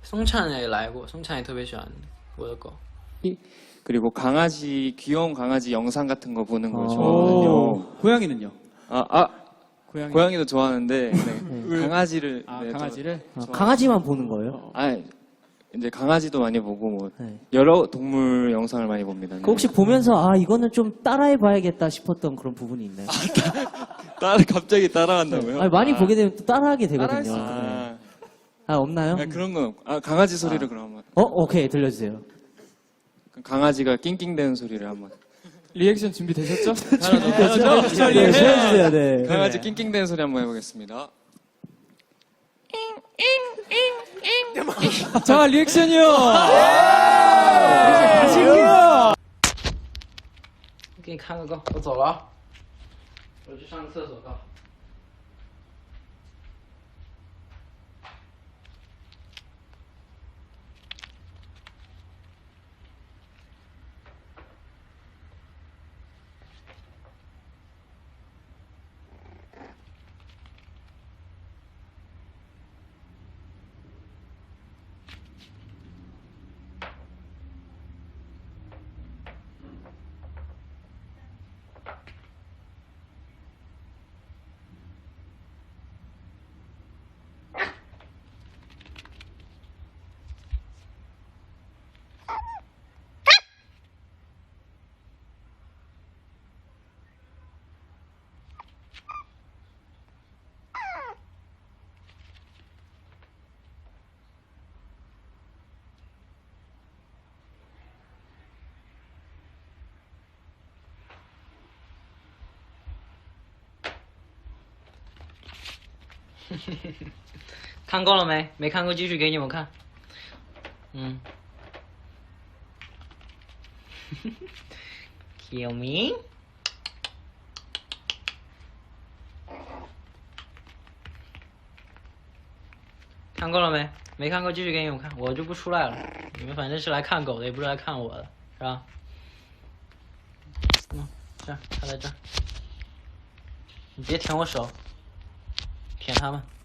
송찬也来过，송찬也特别喜欢我的狗。 그리고 강아지, 귀여운 강아지 영상 같은 거 보는 걸 좋아하거든요. 고양이는요? 고양이도 좋아하는데 네, 강아지를 네, 강아지를? 강아지만 보는 거예요? 이제 강아지도 많이 보고 뭐 네. 여러 동물 영상을 많이 봅니다. 네. 혹시 보면서 이거는 좀 따라해봐야겠다 싶었던 그런 부분이 있나요? 갑자기 따라한다고요? 많이 보게 되면 또 따라하게 되거든요. 따라할 네. 없나요? 그런 건 강아지 소리를 그럼 한번. 오케이 들려주세요. 강아지가 낑낑대는 소리를 한번. 리액션 준비되셨죠? 네, 해주세요. 네. 강아지 낑낑대는 소리 한번 해보겠습니다. 자, 리액션이요. 맛있게요. 给你看个够，我走了啊，我去上个厕所够。 看够了没？没看够继续给你们看。Kill me。看够了没？没看够继续给你们看，我就不出来了。你们反正是来看狗的，也不是来看我的，是吧？这儿，它在这儿。你别舔我手，舔它们。